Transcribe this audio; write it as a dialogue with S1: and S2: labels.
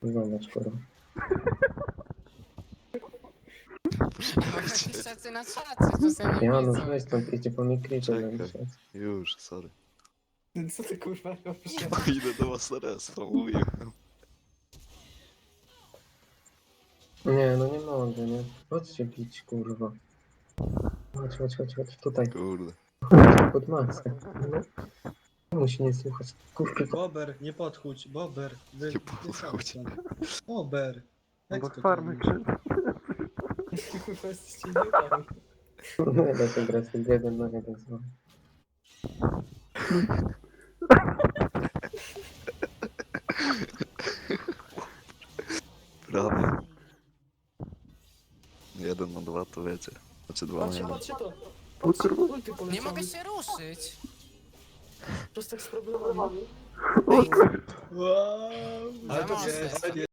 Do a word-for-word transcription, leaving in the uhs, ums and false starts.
S1: Zobacz, kurwa.
S2: Ja mam jakieś szacje na czacie, czasami
S1: Ja no
S2: widzą.
S1: weź stąd, idzie po mnie creepy
S3: Czekaj.
S1: zawieszać.
S3: Już, sorry.
S4: Co ty kurwa robisz?
S3: Idę do was na raz, mówiłem.
S1: Nie, no nie mogę, nie. Chodźcie bić, kurwa. Chodź, chodź, chodź, chodź, tutaj.
S3: Kurde.
S1: Chodź pod masę. No. Musi nie słuchać. Kurwa,
S4: Bober, nie podchódź, Bober. Wy,
S3: Nie podchódź.
S4: wy sam stąd. Bober. Jak
S5: Bo
S4: to
S5: farmy
S4: robisz? Kurwa, jesteście idiotami.
S1: no ja to grać jeden na jeden z wami.
S3: Prawie. Jeden na dwa to wiecie. Znaczy dwa na
S4: Patrzcie,
S3: jeden.
S4: patrzcie to.
S5: O kurwa.
S4: Ulty
S2: Nie
S4: poleciały.
S2: mogę się ruszyć.
S4: To jest tak z problemami.
S5: O kurwa.
S4: Wow.
S2: Ale to
S4: jest,
S2: jest-